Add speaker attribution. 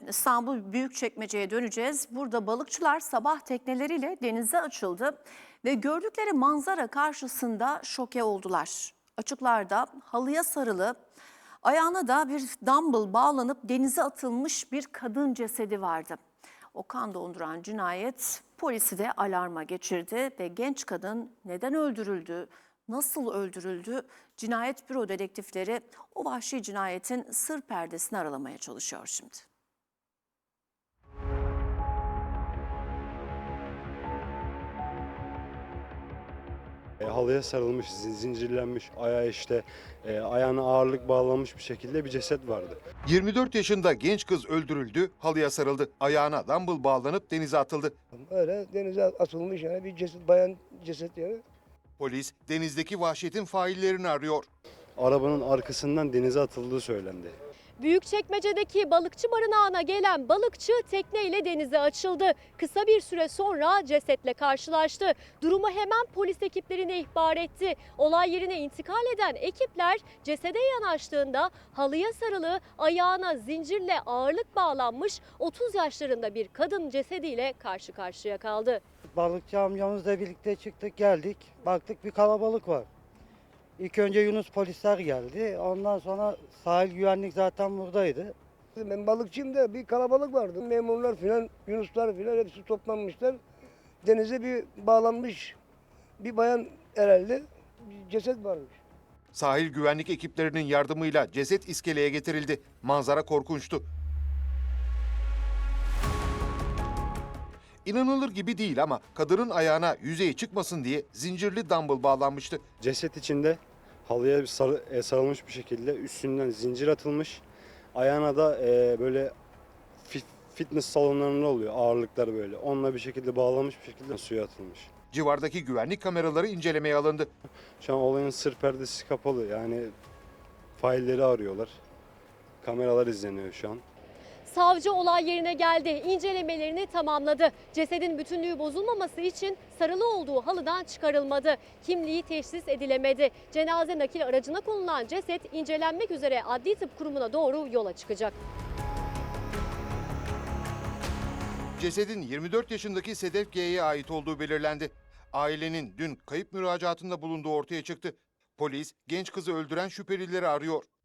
Speaker 1: İstanbul Büyükçekmece'ye döneceğiz. Burada balıkçılar sabah tekneleriyle denize açıldı ve gördükleri manzara karşısında şoke oldular. Açıklarda halıya sarılı, ayağına da bir dumbbell bağlanıp denize atılmış bir kadın cesedi vardı. O kan donduran cinayet polisi de alarma geçirdi ve genç kadın neden öldürüldü, nasıl öldürüldü? Cinayet büro dedektifleri o vahşi cinayetin sır perdesini aralamaya çalışıyor şimdi.
Speaker 2: Halıya sarılmış, zincirlenmiş, ayağına ağırlık bağlanmış bir şekilde bir ceset vardı.
Speaker 3: 24 yaşında genç kız öldürüldü, halıya sarıldı. Ayağına dumbbell bağlanıp denize atıldı.
Speaker 4: Öyle denize atılmış yani bir ceset, bayan ceset yani.
Speaker 3: Polis denizdeki vahşetin faillerini arıyor.
Speaker 2: Arabanın arkasından denize atıldığı söylendi.
Speaker 5: Büyükçekmece'deki balıkçı barınağına gelen balıkçı tekneyle denize açıldı. Kısa bir süre sonra cesetle karşılaştı. Durumu hemen polis ekiplerine ihbar etti. Olay yerine intikal eden ekipler cesede yanaştığında halıya sarılı, ayağına zincirle ağırlık bağlanmış 30 yaşlarında bir kadın cesediyle karşı karşıya kaldı.
Speaker 6: Balıkçı amcamızla birlikte çıktık geldik. Baktık bir kalabalık var. İlk önce Yunus polisler geldi. Ondan sonra sahil güvenlik zaten buradaydı.
Speaker 4: Ben balıkçıyım da bir kalabalık vardı. Memurlar filan, Yunuslar filan hepsi toplanmışlar. Denize bir bağlanmış bir bayan herhalde bir ceset varmış.
Speaker 3: Sahil güvenlik ekiplerinin yardımıyla ceset iskeleye getirildi. Manzara korkunçtu. İnanılır gibi değil ama kadının ayağına yüzeye çıkmasın diye zincirli dumbbell bağlanmıştı.
Speaker 2: Ceset içinde halıya sarılmış bir şekilde üstünden zincir atılmış. Ayağına da böyle fitness salonlarında oluyor ağırlıklar böyle. Onunla bir şekilde bağlanmış bir şekilde suya atılmış.
Speaker 3: Civardaki güvenlik kameraları incelemeye alındı.
Speaker 2: Şu an olayın sır perdesi kapalı, yani failleri arıyorlar. Kameralar izleniyor şu an.
Speaker 5: Savcı olay yerine geldi, incelemelerini tamamladı. Cesedin bütünlüğü bozulmaması için sarılı olduğu halıdan çıkarılmadı. Kimliği teşhis edilemedi. Cenaze nakil aracına konulan ceset incelenmek üzere Adli Tıp Kurumu'na doğru yola çıkacak.
Speaker 3: Cesedin 24 yaşındaki Sedef G'ye ait olduğu belirlendi. Ailenin dün kayıp müracaatında bulunduğu ortaya çıktı. Polis genç kızı öldüren şüphelileri arıyor.